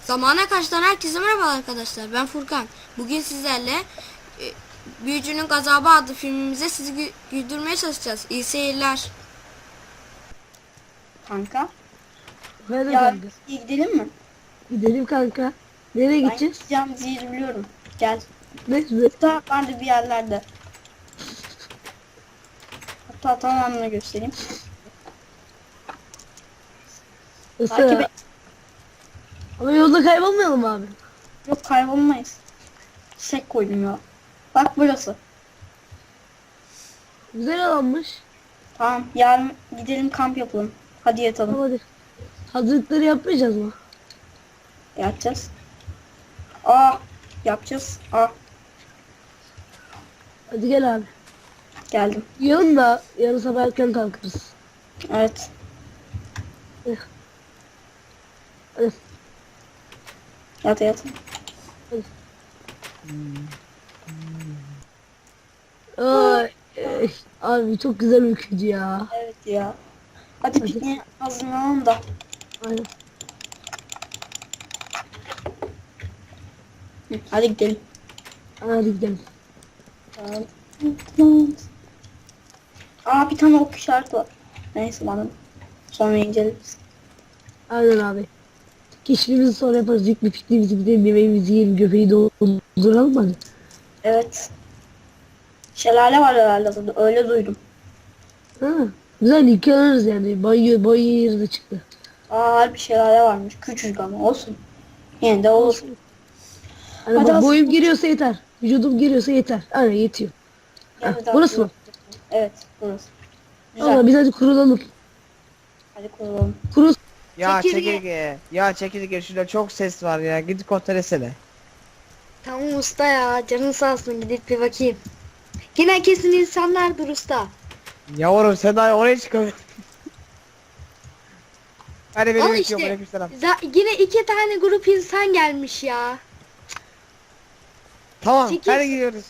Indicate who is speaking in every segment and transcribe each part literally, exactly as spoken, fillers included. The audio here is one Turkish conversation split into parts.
Speaker 1: Zamana Karşı'dan herkese merhaba arkadaşlar. Ben Furkan. Bugün sizlerle e, Büyücünün Gazabı adlı filmimize sizi gü güldürmeye çalışacağız. İyi seyirler.
Speaker 2: Kanka.
Speaker 3: Hadi
Speaker 2: Ya
Speaker 3: kanka.
Speaker 2: gidelim mi?
Speaker 3: Gidelim kanka. Nereye
Speaker 2: Ben
Speaker 3: gideceğiz?
Speaker 2: gideceğimiz yeri biliyorum. Gel.
Speaker 3: Ne?
Speaker 2: Hatta vardı bir yerlerde. Hatta tamamını göstereyim. Takip
Speaker 3: Nasıl?
Speaker 2: et.
Speaker 3: Ama yolda kaybolmayalım abi.
Speaker 2: Yok kaybolmayız. Çiçek koydum ya. Bak burası.
Speaker 3: Güzel alanmış.
Speaker 2: Tamam yarın gidelim kamp yapalım. Hadi yatalım.
Speaker 3: Tamam hadi. Hazırlıkları yapmayacağız mı?
Speaker 2: Yapacağız. Aa yapacağız. Aa
Speaker 3: Hadi gel abi.
Speaker 2: geldim.
Speaker 3: Yarın da yarın sabah erken kalkarız.
Speaker 2: Evet.
Speaker 3: Eh. Hadi.
Speaker 2: Yat yat.
Speaker 3: Ay, eh, abi çok güzel uykuydu ya.
Speaker 2: Evet ya. Hadi
Speaker 3: Hadi.
Speaker 2: pikniğe hazırlanalım da.
Speaker 3: Aynen.
Speaker 2: Hı, hadi gidelim.
Speaker 3: Hadi gidelim.
Speaker 2: Aa bir tane ok işareti var. Neyse bana. Sonra inceleriz.
Speaker 3: Aynen abi. Keşfimizi sonra yaparız. İlk bir pikniğimizi gidelim. Yemeğimizi yiyelim. Göbeği dolduralım hadi.
Speaker 2: Evet. Şelale var herhalde burada. Öyle duydum.
Speaker 3: Ha, güzel yıkanırız yani. Banyo, banyo yeri de çıktı.
Speaker 2: Aa harbi şelale varmış. Küçücük ama olsun. Yine de olur.
Speaker 3: Hani
Speaker 2: Hadi
Speaker 3: bak,
Speaker 2: az-
Speaker 3: boyum giriyorsa yeter. Vücudum giriyorsa yeter. Aynen yetiyor.
Speaker 2: Yine
Speaker 3: Ha,
Speaker 2: de
Speaker 3: burası mı?
Speaker 2: Evet burası. Güzel.
Speaker 3: Allah biz hadi kurulalım.
Speaker 2: Hadi kuralım.
Speaker 3: Kurul.
Speaker 4: Ya
Speaker 1: Çekirge.
Speaker 4: çekirge. Ya çekirge şurada çok ses var ya. Gidip kontrol etsene.
Speaker 5: Tamam usta ya, canın sağ olsun, gidip bir bakayım. Yine kesin insanlardır usta.
Speaker 4: Yavrum sen daha oraya çıkamıyorsun. Hadi beni
Speaker 5: Al
Speaker 4: bekliyorum.
Speaker 5: işte.
Speaker 4: Aleykümselam.
Speaker 5: Za- yine iki tane grup insan gelmiş ya.
Speaker 4: Tamam
Speaker 5: Çekil.
Speaker 4: hadi gidiyoruz.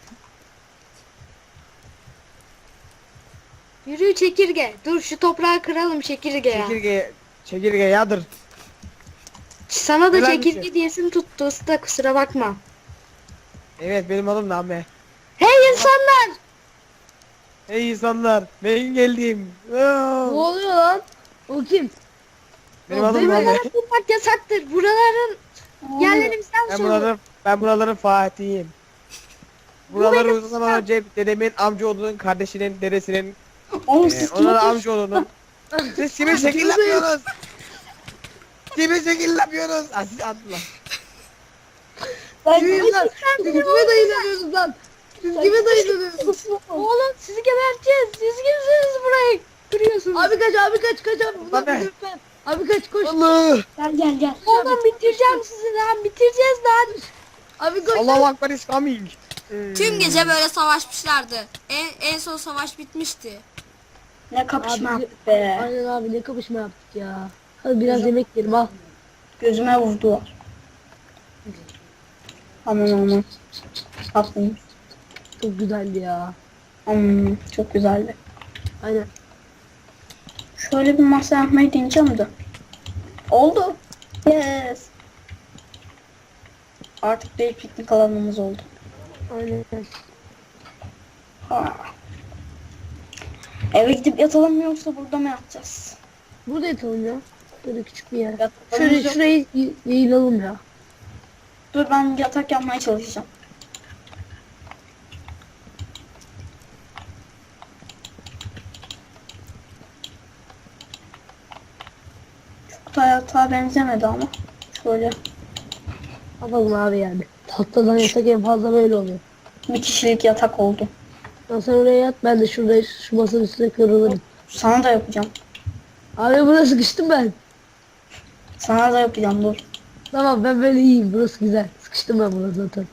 Speaker 5: Yürü çekirge. Dur şu toprağı kıralım çekirge ya.
Speaker 4: Çekirge. Çekirge yadır.
Speaker 5: Sana da
Speaker 4: Helal
Speaker 5: çekirge
Speaker 4: misin?
Speaker 5: diyesim tuttu usta, kusura bakma.
Speaker 4: Evet benim adım da Ahmet.
Speaker 5: Hey insanlar!
Speaker 4: Hey insanlar. Ben geldim. Oo.
Speaker 3: Ne oluyor lan? O kim?
Speaker 4: Benim
Speaker 3: Ya
Speaker 4: adım
Speaker 3: benim
Speaker 4: Ahmet.
Speaker 5: Buralara bulmak yasaktır. Buraların yerlerini bizden
Speaker 4: Ben
Speaker 5: sorun.
Speaker 4: buraların, ben buraların Fatih'iyim. Buraları uzun zaman önce dedemin amcaoğlunun kardeşinin dedesinin
Speaker 2: Oğlum
Speaker 4: Ee,
Speaker 2: siz kim
Speaker 4: onlara
Speaker 2: atıyorsunuz?
Speaker 4: amcaoğlunun. Siz kime şekil yapıyorsunuz? Kime şekil yapıyorsunuz? Ah siz attılar.
Speaker 2: Ben
Speaker 3: Kim lan? Siz kime dayılanıyorsunuz lan? Siz kime dayılanıyorsunuz?
Speaker 5: Oğlum sizi geberteceğiz. Siz kimsiniz burayı kırıyorsunuz?
Speaker 3: Abi kaç abi kaç kaç abi. Bunlar
Speaker 4: Abi.
Speaker 3: bir lütfen. Abi kaç koş.
Speaker 4: Allah!
Speaker 2: Gel gel gel.
Speaker 5: Oğlum bitireceğim sizi lan. Bitireceğiz lan.
Speaker 3: Abi koş.
Speaker 4: Allahu Akbar is coming.
Speaker 1: Tüm gece böyle savaşmışlardı. En, en son savaş bitmişti.
Speaker 2: Ne kapışma
Speaker 3: Abi,
Speaker 2: yaptık be.
Speaker 3: Aynen abi ne kapışma yaptık ya. Hadi biraz yemek yiyelim al.
Speaker 2: Gözüme vurdular. Aman aman. Haklıyım.
Speaker 3: Çok güzeldi ya.
Speaker 2: Hmm, çok güzeldi.
Speaker 3: Aynen.
Speaker 2: Şöyle bir masa yapmayı deneyeceğim de. Oldu. Yes. Artık bir piknik alanımız oldu.
Speaker 3: Aynen.
Speaker 2: Ha. Eve gidip yatalım mı yoksa burada mı yatacağız?
Speaker 3: Burada yatalım ya. Böyle küçük bir yer.
Speaker 2: Yatalım
Speaker 3: Şöyle
Speaker 2: yok.
Speaker 3: şurayı y- yayılalım ya.
Speaker 2: Dur ben yatak yapmaya çalışacağım. Çok da yatağa benzemedi ama. Şöyle
Speaker 3: Yapalım abi yani. Tahtadan yatak en fazla böyle oluyor.
Speaker 2: bir kişilik yatak oldu.
Speaker 3: Ya sen oraya yat, ben de şurada şu masanın üstüne kırılırım.
Speaker 2: Sana da yapacağım.
Speaker 3: Abi buraya sıkıştım ben.
Speaker 2: Sana da yapacağım dur.
Speaker 3: Tamam ben böyle iyiyim, burası güzel. Sıkıştım ben burada zaten.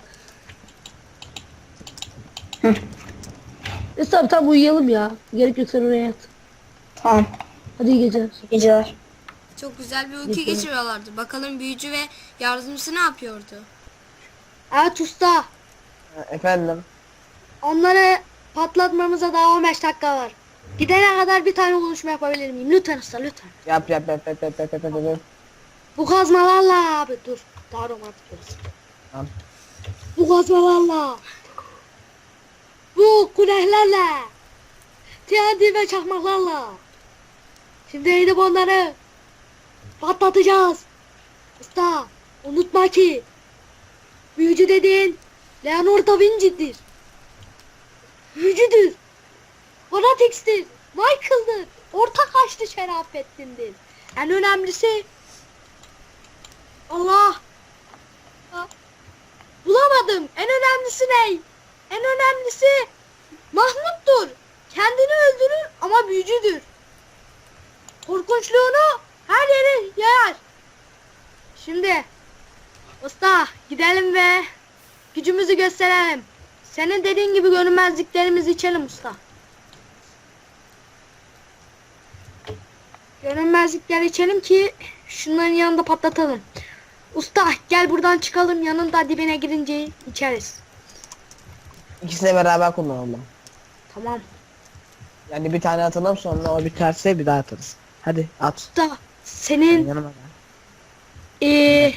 Speaker 2: Hı.
Speaker 3: Neyse tamam tamam uyuyalım ya. Gerek yok sen oraya yat.
Speaker 2: Tamam.
Speaker 3: Hadi iyi geceler.
Speaker 2: İyi geceler.
Speaker 1: Çok güzel bir uyku
Speaker 3: Peki.
Speaker 1: geçiriyorlardı. Bakalım büyücü ve yardımcısı ne yapıyordu?
Speaker 5: Evet usta.
Speaker 4: Efendim.
Speaker 5: Onları patlatmamıza daha on beş dakika var. Gidene kadar bir tane buluşma yapabilir miyim? Lütfen usta lütfen.
Speaker 4: Yap yap yap yap yap yap yap yap.
Speaker 5: Bu kazmalarla abi dur. Daha romantik olsun.
Speaker 4: Tamam.
Speaker 5: Bu kazmalarla. Bu kulehlerle. T N T ve çakmaklarla. Şimdi gidip onları patlatacağız. Usta unutma ki büyücü dediğin Leonardo da Vinci'dir. Büyücüdür. Fanatics'tir. Michael'dır. Orta kaçtı Şerafettin'dir. En önemlisi Allah. Ha, bulamadım. En önemlisi ne? En önemlisi Mahmut'tur. Kendini öldürür ama büyücüdür. Korkunçluğunu her yere yayar. Şimdi usta gidelim ve gücümüzü gösterelim. Senin dediğin gibi görünmezliklerimizi içelim usta. Görünmezlikler içelim ki şunların yanında patlatalım. Usta gel buradan çıkalım, yanında dibine girince içeriz.
Speaker 4: İkisini beraber kullanalım.
Speaker 5: Tamam.
Speaker 4: Yani bir tane atalım, sonra o biterse bir daha atarız. Hadi at.
Speaker 5: Usta senin
Speaker 4: Yanıma gel.
Speaker 5: eee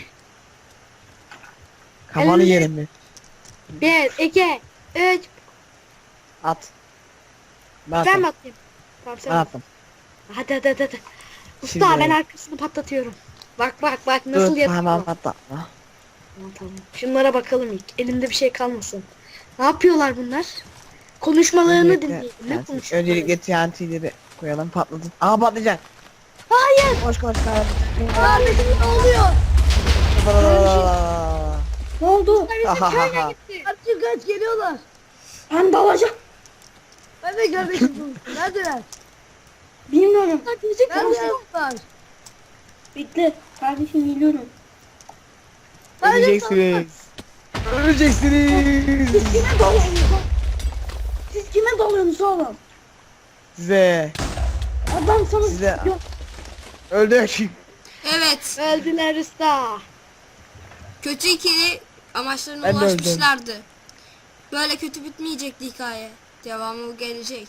Speaker 4: Kafanı
Speaker 5: Elini-
Speaker 4: yerim mi?
Speaker 5: bir, iki, üç.
Speaker 4: At. Ben
Speaker 5: Ben
Speaker 4: atayım.
Speaker 5: mi atayım? Tamam sen
Speaker 4: Ben
Speaker 5: at.
Speaker 4: attım.
Speaker 5: Hadi hadi hadi. hadi. Usta
Speaker 4: Şimdi-
Speaker 5: ben arkasını patlatıyorum. Bak bak bak nasıl
Speaker 4: Dur,
Speaker 5: yapıyor.
Speaker 4: tamam atla.
Speaker 5: Tamam, tamam. Şunlara bakalım ilk. Elimde bir şey kalmasın. Ne yapıyorlar bunlar? Konuşmalarını dinleyelim. Ne konuşuyorlar?
Speaker 4: Öncelikle T N T'leri koyalım, patlatıp. Aha patlayacak.
Speaker 5: Hayır.
Speaker 4: Koş koş kardeşim.
Speaker 5: Ahmet'im ne oluyor?
Speaker 2: Ne oldu?
Speaker 5: Bizim
Speaker 4: Ha, ha, ha,
Speaker 5: köyüne
Speaker 4: ha.
Speaker 5: gitti.
Speaker 3: Kaç kaç geliyorlar.
Speaker 2: Ben dalacağım.
Speaker 3: Ben de kardeşim. Neredeler?
Speaker 2: Bilmiyorum.
Speaker 5: Bak, müzik konuşuyor.
Speaker 3: Neredeler?
Speaker 2: Bekle. Kardeşim geliyorum.
Speaker 4: Öleceksiniz. Öleceksiniz.
Speaker 2: Kime dalıyorsunuz? Siz kime dalıyorsunuz oğlum?
Speaker 4: Size.
Speaker 2: Adam sana
Speaker 4: Size.
Speaker 2: Yok.
Speaker 4: Öldük.
Speaker 1: Evet.
Speaker 5: Öldüler usta.
Speaker 1: Kötü ikili amaçlarına
Speaker 4: Ben de öldüm.
Speaker 1: ulaşmışlardı. Böyle kötü bitmeyecekti hikaye. Devamı gelecek.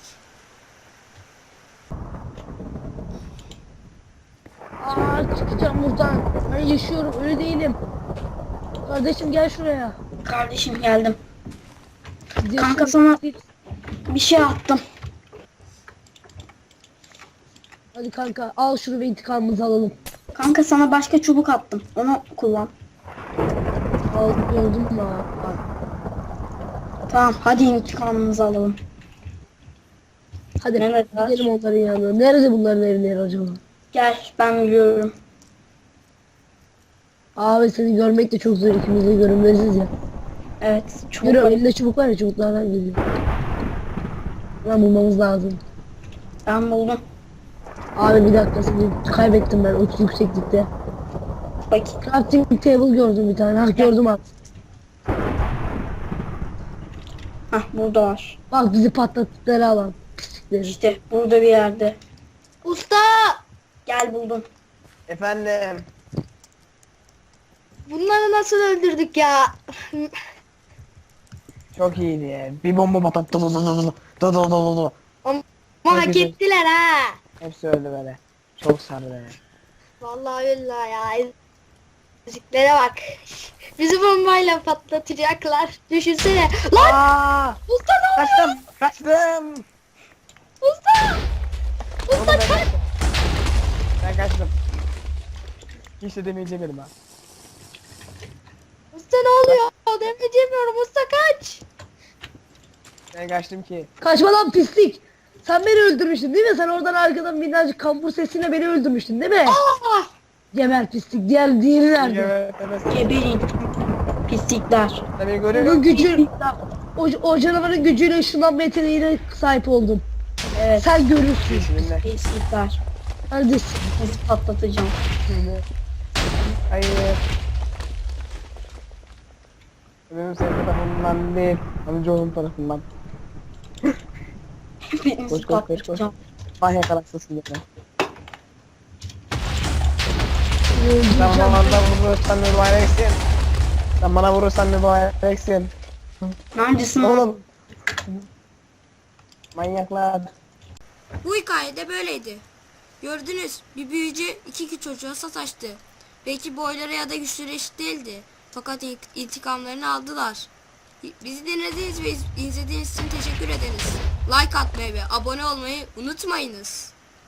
Speaker 3: Aa çıkacağım buradan. Ben yaşıyorum, öyle değilim. Kardeşim gel şuraya.
Speaker 2: Kardeşim geldim.
Speaker 3: Biz
Speaker 2: Kanka
Speaker 3: yaşıyoruz.
Speaker 2: sana bir şey attım.
Speaker 3: Hadi kanka al şunu ve intikamımızı alalım.
Speaker 2: Kanka sana başka çubuk attım. Onu kullan.
Speaker 3: Al gördün mü? Al.
Speaker 2: Tamam hadi intikamımızı alalım.
Speaker 3: Hadi
Speaker 2: Neredeler?
Speaker 3: gidelim onların yanına. Nerede bunların evleri acaba?
Speaker 2: Gel ben biliyorum.
Speaker 3: Abi seni görmek de çok zor, ikimiz de görünmeziz ya.
Speaker 2: Evet çubuk
Speaker 3: Yürü
Speaker 2: var.
Speaker 3: elinde çubuk var ya, çubuklardan geliyor. Lan bulmamız lazım.
Speaker 2: Ben buldum.
Speaker 3: Abi bir dakika, seni kaybettim ben o yükseklikte.
Speaker 2: Bakayım.
Speaker 3: Crafting table gördüm bir tane. Ah gördüm abi.
Speaker 2: Hah burada var.
Speaker 3: Bak bizi patlattıkları alan. Pislikleri.
Speaker 2: İşte burada bir yerde.
Speaker 5: Usta
Speaker 2: Gel buldum.
Speaker 4: Efendim.
Speaker 5: bunları nasıl öldürdük ya?
Speaker 4: Çok iyiydi ya. Bir bomba patlattı. Do do do do do do do do.
Speaker 5: Ama
Speaker 4: Çok
Speaker 5: hak
Speaker 4: güzel.
Speaker 5: ettiler ha.
Speaker 4: Hepsi öldü böyle. Çok sardı beni.
Speaker 5: Vallahi billahi ya. Müziklere bak. Bizi bombayla patlatacaklar. Düşünsene. Lan
Speaker 4: Aa!
Speaker 5: usta ne oluyor?
Speaker 4: Kaçtım. Kaçtım.
Speaker 5: Usta.
Speaker 4: Oğlum
Speaker 5: Usta
Speaker 4: ben
Speaker 5: kaç.
Speaker 4: kaçtım. Ben kaçtım. Hiç de demeyeceğim ha.
Speaker 5: Usta ne oluyor? Demeyeceğim usta kaç.
Speaker 4: Ben kaçtım ki.
Speaker 3: Kaçma lan pislik. Sen beni öldürmüştün değil mi? Sen oradan arkadan minnacık kampur sesiyle beni öldürmüştün değil mi?
Speaker 5: Ah!
Speaker 3: Geber pislik. Diğer diğeri nerede?
Speaker 4: Evet, evet.
Speaker 2: Geberin. Pislikler.
Speaker 4: Sen beni görüyor
Speaker 3: Onun
Speaker 4: musun?
Speaker 3: gücü, o, o canavarın gücüyle ışınlanma yeteneğine sahip oldum.
Speaker 2: Evet.
Speaker 3: Sen görürsün.
Speaker 4: Şimdi.
Speaker 2: Pislikler.
Speaker 3: Neredesin?
Speaker 2: Sizi patlatacağım.
Speaker 4: Şimdi. Hayır. Benim senin tarafından değil. Amcaoğlum tarafından.
Speaker 2: Hepinizi
Speaker 4: Koş, koş, koş, koş.
Speaker 2: patlatacağım.
Speaker 4: Vah yakalaksın beni. Sen
Speaker 3: Öldüreceğim.
Speaker 4: bana vurursan mübareksin. Sen bana vurursan mübareksin.
Speaker 2: Neredesin oğlum?
Speaker 4: Oğlum. Manyaklar.
Speaker 1: Bu hikayede böyleydi. Gördünüz, bir büyücü iki iki çocuğa sataştı. Belki boyları ya da güçleri eşit değildi. Fakat in- intikamlarını aldılar. Bizi dinlediğiniz ve iz- izlediğiniz için teşekkür ederiz. Like atmayı ve abone olmayı unutmayınız.